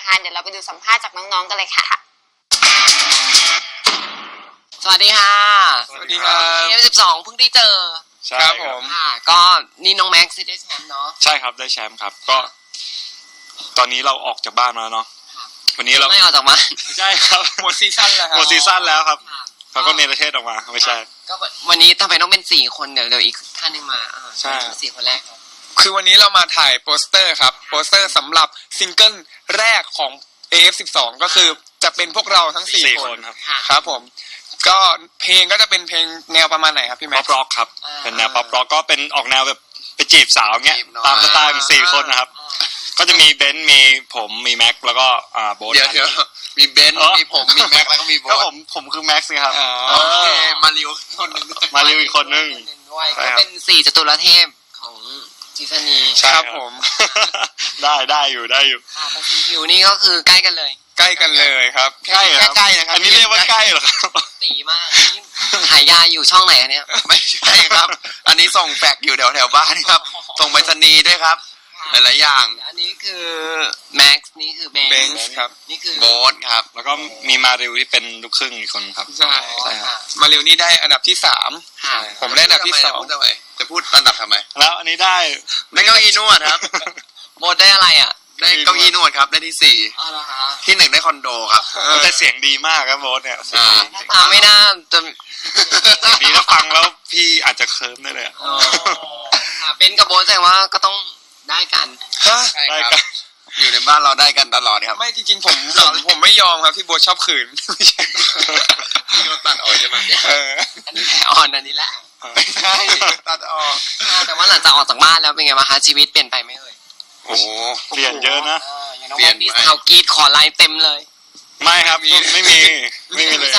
นะคะเดี๋ยวเราไปดูสัมภาษณ์จากน้องๆกันเลยค่ะสวัสดีค่ะสวัสดีครับ F12 เพิ่งได้เจอใช่ครับผมค่ะก็นี่น้องแม็กซ์ได้แชมป์เนาะใช่ครับได้แชมป์ครับก็ตอนนี้เราออกจากบ้านมาแล้วเนาะวันนี้เราไม่ออกจากบ้านไม่ใช่ครับหมดซีซั่นแล้วครับหมดซีซั่นแล้วครับเขาก็เนรเทศออกมาไม่ใช่ก็วันนี้ทำไมต้องเป็น4คนเดี๋ยวอีกท่านนึงมาใช่ 4คนแรกครับคือวันนี้เรามาถ่ายโปสเตอร์ครับโปสเตอร์สำหรับซิงเกิลแรกของ AF12 ก็คือจะเป็นพวกเราทั้ง4คนครับผมก็เพลงก็จะเป็นเพลงแนวประมาณไหนครับพี่แม็กซ์ป๊อปร็อกครับเป็นแนวป๊อปร็อกก็เป็นออกแนวแบบไปจีบสาวเงี้ยตามสไตล์ของ4คนนะครับก็จะมีเบนซ์มีผมมีแม็กแล้วก็โบ๊ทเดี๋ยวมีเบนซ์มีผมมีแม็กแล้วก็มีโบ๊ทก็ผมคือแม็กซ์ครับโอเคมาริวคนนึงมาริวอีกคนนึงด้วยก็เป็น4จตุรเทพของซีซั่นนี้ครับผมได้อยู่แต่สีผิวนี่ก็คือใกล้กันเลยใกล้กันเลยครับใกล้นะครับอันนี้เรียกว่าใกล้เหรอครับตีมากนี่ขายยาอยู่ช่องไหนเนี่ยไม่ใช่ครับอันนี้ส่งแฟกอยู่แถวบ้านครับส่งไปรษณีย์ด้วยครับหลายๆอย่างอันนี้คือแม็กซ์นี่คือเบนซ์ครับนี่คือโบ๊ทครับแล้วก็มีมาริวที่เป็นลูกครึ่งอีกคนครับใช่ครับมาริวนี่ได้อันดับที่3ผมได้อันดับที่2 จะพูดอันดับทำไมแล้วอันนี้ได้เก้าอี้นวดครับโบ๊ทได้อะไรได้เก้าอี้นวดครับได้ที่4ที่1ได้คอนโดครับแต่เสียงดีมากครับโบ๊ทเนี่ยไม่น่าจะดีถ้าฟังแล้วพี่อาจจะเคิร์มได้เลยเป็นกับโบ๊ทแสดงว่าก็ต้องได้กันได้กันอยู่ในบ้านเราได้กันตลอดครับไม่จริงๆผมไม่ยอมครับที่โบ๊ทชอบขืนไม่ใช่ตัดออกใช่ไหมอันนี้แผลอ่อนอันนี้แหละไม่ใช่ตัดออกแต่ว่าหลังจากออกจากบ้านแล้วเป็นไงบ้างคะชีวิตเปลี่ยนไปไหมเอ่ยโอ้เปลี่ยนเยอะนะเปลี่ยนมีสาวกรีดขอไลน์เต็มเลยไม่ครับไม่มีเลย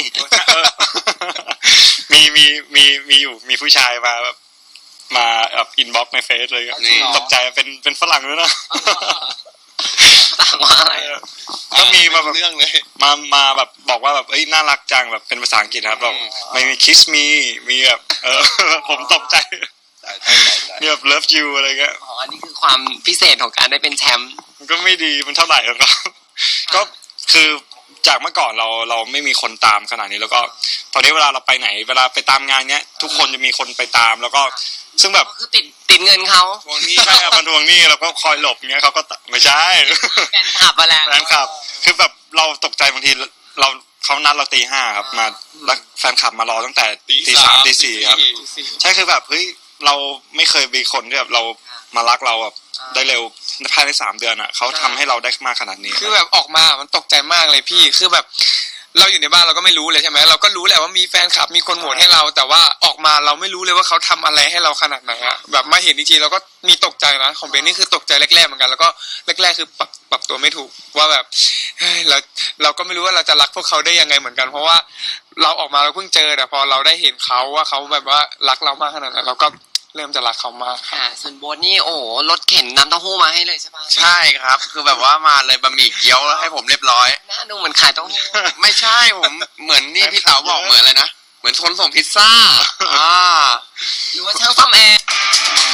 มีอยู่มีผู้ชายมาแบบอินบ็อกซ์ในเฟซเลยตกใจเป็นฝรั่งด้วยนะต่างว่าอะไรก็มีมาแบบเรื่องเลยมาแบบบอกว่าแบบเอ้ยน่ารักจังแบบเป็นภาษาอังกฤษครับแบบไม่มี kiss me มีแบบผมตกใจมีแบบ love you อะไรเงี้ยอันนี้คือความพิเศษของการได้เป็นแชมป์มันก็ไม่ดีมันเท่าไหร่หรอกก็คือจากเมื่อก่อนเราไม่มีคนตามขนาดนี้แล้วก็ตอนนี้เวลาเราไปไหนเวลาไปตามงานเนี้ยทุกคนจะมีคนไปตามแล้วก็ซึ่งแบบคือติดเงินเขาทวงหนี้ใช่ครับมันทวงหนี้เราก็คอยหลบเงี้ยเขาก็ไม่ใช่แฟนคลับมาแล้วแฟนคลับคือแบบเราตกใจบางทีเขานัดเราตี5ครับมาแล้วแฟนคลับมารอตั้งแต่ตี3ตี4ครับใช่คือแบบเฮ้ยเราไม่เคยมีคนที่แบบเรามารักเราแบบได้เร็วภายใน3 เดือนอ่ะเขาทำให้เราได้มากขนาดนี้คือแบบออกมามันตกใจมากเลยพี่คือแบบเราอยู่ในบ้านเราก็ไม่รู้เลยใช่ไหมเราก็รู้แหละว่ามีแฟนคลับมีคนโหวตให้เราแต่ว่าออกมาเราไม่รู้เลยว่าเขาทำอะไรให้เราขนาดไหนอะแบบมาเห็นจริงๆเราก็มีตกใจนะของเบนนี่คือตกใจแรกๆเหมือนกันแล้วก็แรกๆคือปรับตัวไม่ถูกว่าแบบเราก็ไม่รู้ว่าเราจะรักพวกเขาได้ยังไงเหมือนกันเพราะว่าเราออกมาเราเพิ่งเจอแต่พอเราได้เห็นเขาว่าเขาแบบว่ารักเรามากขนาดนั้นเราก็เริ่มจะรักเขามากค่ะส่วนโบ๊ทนี่โอ้รถเข็นน้ำเต้าหู้มาให้เลยใช่ปะใช่ครับคือแบบว่ามาเลยบะหมี่เกี๊ยวแล้วให้ผมเรียบร้อยน่าดูเหมือนขายเต้าหู้ไม่ใช่ผมเหมือนนี่พี่เต๋าบอกเหมือนอะไรนะเหมือนคนส่งพิซซ่าหรือว่าช่างซ่อมแอร์